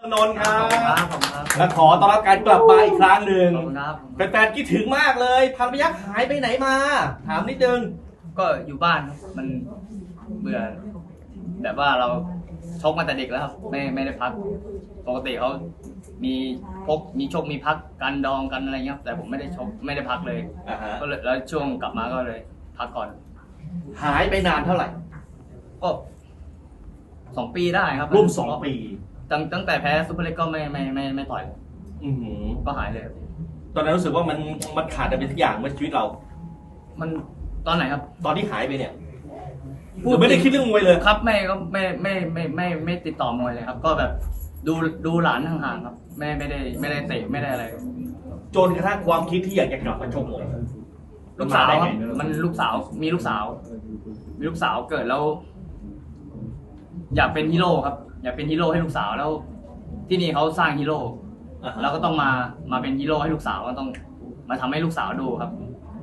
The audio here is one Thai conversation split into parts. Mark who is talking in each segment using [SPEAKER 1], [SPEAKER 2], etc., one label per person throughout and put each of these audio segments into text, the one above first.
[SPEAKER 1] นนท์ครับ
[SPEAKER 2] ผมครับ
[SPEAKER 1] และขอต้อนรับการกลับมาอีกครั้งหนึ่ง
[SPEAKER 2] ขอบคุณครับ
[SPEAKER 1] แฟนๆคิดถึงมากเลยพันพยัคฆ์หายไปไหนมาถามนิดนึง
[SPEAKER 2] ก็อยู่บ้านครับมันเบื่อแบบว่าเราชกมาแต่เด็กแล้วครับไม่ได้พักปกติเขามีชกมีพักกันดองกันอะไรเงี้ยแต่ผมไม่ได้ชกไม่ได้พักเลยก็เลยแล้วช่วงกลับมาก็เลยพักก่อน
[SPEAKER 1] หายไปนานเท่าไหร่
[SPEAKER 2] ก็2 ปีได้ครับ
[SPEAKER 1] ร่วม2 ปี
[SPEAKER 2] ตั้งแต่แพ้ซุปเปอร์เล็กก็ไม่ต่อยก็หายเลย
[SPEAKER 1] ตอนนั้นรู้สึกว่ามันขาดอะไรเป็นทุกอย่างเมื่อชีวิตเรา
[SPEAKER 2] มันตอนไหนครับ
[SPEAKER 1] ตอนที่หายไปเนี่ยไม่ได้คิดเรื่องมวยเลย
[SPEAKER 2] ครับไม่ติดต่อมวยเลยครับก็แบบดูหลานห่างๆครับไม่ได้เตะไม่ได้อะไร
[SPEAKER 1] จนกระทั่งความคิดที่อยากจะกลับมาชกมวย
[SPEAKER 2] ลูกสาวครับมันลูกสาวมีลูกสาวเกิดแล้วอยากเป็นฮีโร่ครับอยากเป็นฮีโร่ให้ลูกสาวแล้วที่นี่เขาสร้างฮีโร่แล้วก็ต้องมาเป็นฮีโร่ให้ลูกสาวก็ต้องมาทำให้ลูกสาวดูครับ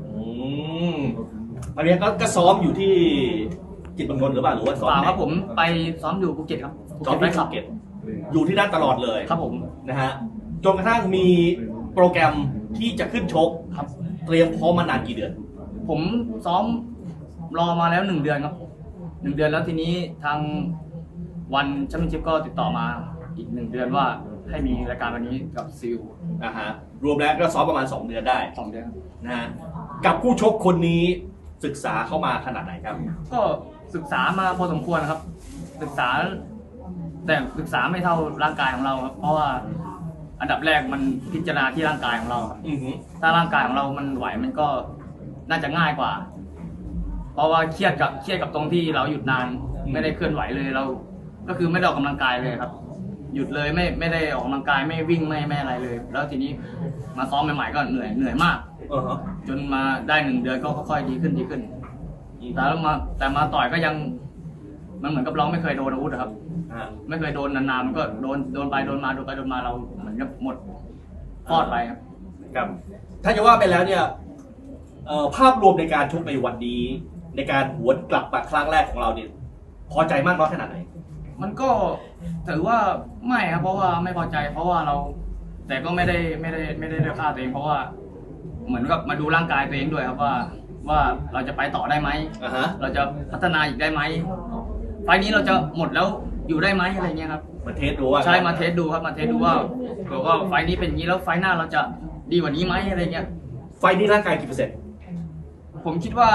[SPEAKER 1] อันนี้ก็ซ้อมอยู่ที่จิตบังนนท์หรือเปล่าหรือว่าซ้อม
[SPEAKER 2] ครับผมไปซ้อมอยู่ภูเก็ตครับ
[SPEAKER 1] ซ้อมที่ภูเก็ตอยู่ที่นั่นตลอดเลย
[SPEAKER 2] ครับผม
[SPEAKER 1] นะฮะจนกระทั่งมีโปรแกรมที่จะขึ้นชก
[SPEAKER 2] ครับ
[SPEAKER 1] เตรียมพร้อมมานานกี่เดือน
[SPEAKER 2] ผมซ้อมรอมาแล้ว1 เดือนครับ1 เดือนแล้วทีนี้ทางวันแชมเปี้ยนชิพก็ติดต่อมาอีก1 เดือนว่าให้มีรายการวันนี้กับซิล
[SPEAKER 1] รวมแล้วก็ซ้อมประมาณ2 เดือนได้
[SPEAKER 2] 2 เดือน
[SPEAKER 1] นะฮะกับผู้ชกคนนี้ศึกษาเข้ามาขนาดไหนครับ
[SPEAKER 2] ก็ศึกษามาพอสมควรครับศึกษาแต่ศึกษาไม่เท่าร่างกายของเราครับเพราะว่าอันดับแรกมันพิจารณาที่ร่างกายของเราถ้าร่างกายของเรามันไหวมันก็น่าจะง่ายกว่าเพราะว่าเครียดกับตรงที่เราหยุดนานไม่ได้เคลื่อนไหวเลยเราก็คือไม่ได้ออกกำลังกายเลยครับหยุดเลยไม่ได้ออกกำลังกายไม่วิ่งไม่อะไรเลยแล้วทีนี้มาซ้อมใหม่ๆก็เหนื่อยมากจนมาได้1 เดือนก็ค่อยๆดีขึ้นแต่มาต่อยก็ยังมันเหมือนกับเราไม่เคยโดนอาวุธครับไม่เคยโดนนานๆมันก็โดนไปโดนมาเราเหมือนกับหมดฟอดไป
[SPEAKER 1] ครับถ้าจะว่าไปแล้วเนี่ยภาพรวมในการชกในวันนี้ในการหวนกลับมาครั้งแรกของเราเนี่ยพอใจมากน้อยขนาดไหน
[SPEAKER 2] มันก็ถือว่าไม่ครับเพราะว่าไม่พอใจเพราะว่าเราแต่ก็ไม่ได้ฆ่าตัวเองเพราะว่าเหมือนกับมาดูร่างกายตัวเองด้วยครับว่าเราจะไปต่อได้ไหมเราจะพัฒนาอีกได้ไหมไฟนี้เราจะหมดแล้วอยู่ได้ไหมอะไรเงี้ยครับ
[SPEAKER 1] มาเทสดูว่า
[SPEAKER 2] ใช่มาเทสดูครับมาเทสดูว่าไฟนี้เป็นอย่างนี้แล้วไฟหน้าเราจะดีกว่านี้ไหมอะไรเงี้ย
[SPEAKER 1] ไฟนี้ร่างกายกี่เปอร์เซ็นต์
[SPEAKER 2] ผมคิดว่า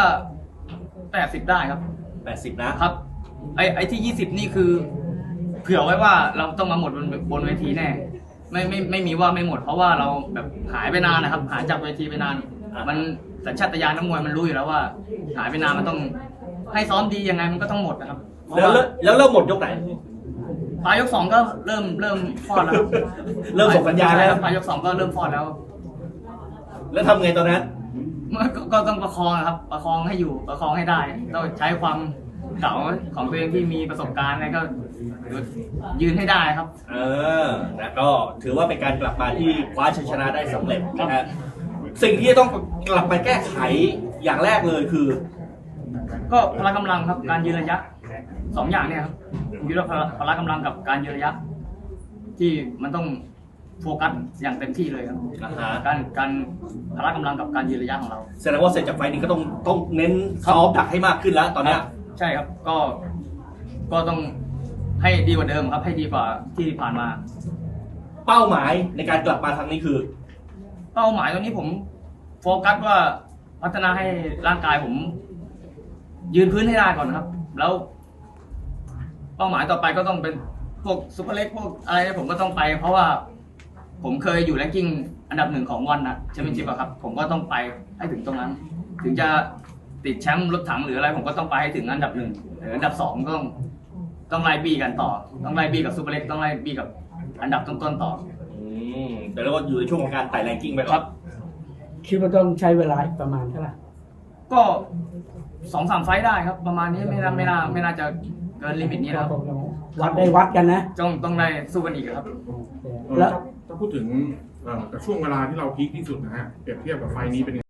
[SPEAKER 2] 80ได้ครับ
[SPEAKER 1] 80นะครับ
[SPEAKER 2] ไอ้ที่20นี่คือเผื่อไว้ว่าเราต้องมาหมดบนเวทีแน่ไม่มีว่าไม่หมดเพราะว่าเราแบบหายไปนานนะครับหายจากเวทีไปนานมันสัญชาตญาณนักมวยมันรู้อยู่แล้วว่าหายไปนานมันต้องให้ซ้อมดียังไงมันก็ต้องหมดนะครับ
[SPEAKER 1] แล้วเริ่มหมดยกไหน
[SPEAKER 2] ปลายยก2ก็เริ่มฟอดแล้ว
[SPEAKER 1] เริ่มส่งสัญญาณแล้ว
[SPEAKER 2] ปลายยก2ก็เริ่มฟอด
[SPEAKER 1] แล้วทำไงตอนนั้น
[SPEAKER 2] ก็ต้องประคองครับประคองให้อยู่ประคองให้ได้ต้องใช้ความเก่าของตัวเองที่มีประสบการณ์แล้วก็ยืนให้ได้ครับ
[SPEAKER 1] แล้วก็ถือว่าเป็นการกลับมาที่คว้าชัยชนะได้สำเร็จนะฮะสิ่งที่ต้องกลับไปแก้ไขอย่างแรกเลยคือ
[SPEAKER 2] ก็พละกำลังครับการยืนระยะ2 อย่างเนี่ยครับยืนพละกำลังกับการยืนระยะที่มันต้องโฟกัสอย่างเต็มที่เลยครับการพละกำลังกับการยืนระยะของเรา
[SPEAKER 1] แสดงว่าเสร็จจากไฟนี้ก็ต้องเน้นซ้อมดักให้มากขึ้นแล้วตอนนี้
[SPEAKER 2] ใช่ครับก็ต้องให้ดีกว่าเดิมครับให้ดีกว่าที่ผ่านมา
[SPEAKER 1] เป้าหมายในการกลับมาครั้งนี้คือ
[SPEAKER 2] เป้าหมายตรงนี้ผมโฟกัสว่าพัฒนาให้ร่างกายผมยืนพื้นให้ได้ก่อนครับแล้วเป้าหมายต่อไปก็ต้องเป็นพวกซุปเปอร์เล็กพวกอะไรผมก็ต้องไปเพราะว่าผมเคยอยู่แรงกิ้งอันดับ1ของวันนะแชมเปี้ยนชิพครับผมก็ต้องไปให้ถึงตรงนั้นถึงจะติดแชมป์รถถังหรืออะไรผมก็ต้องไปให้ถึงอันดับ1หรืออันดับ2ก็ต้องไล่บี้กันต่อต้องไล่บี้กับซุปเปอร์เล็กต้องไล่บี้กับอันดับต้นๆต่อ
[SPEAKER 1] แต่แล้วก็อยู่ในช่วงของการไต่แรงกิ้งไปครับ
[SPEAKER 3] คิดว่าต้องใช้เวลาประมาณเท่าไหร่
[SPEAKER 2] ก็2-3 ไฟได้ครับประมาณนี้ไม่น่าจะเกินลิมิตนี้แล้ว
[SPEAKER 3] วัดกันนะ
[SPEAKER 2] ต้องได้สู้กันอีกครับ
[SPEAKER 4] แล้วถ้าพูดถึงกับช่วงเวลาที่เราพีคที่สุดนะฮะเปรียบเทียบกับไฟนี้เป็น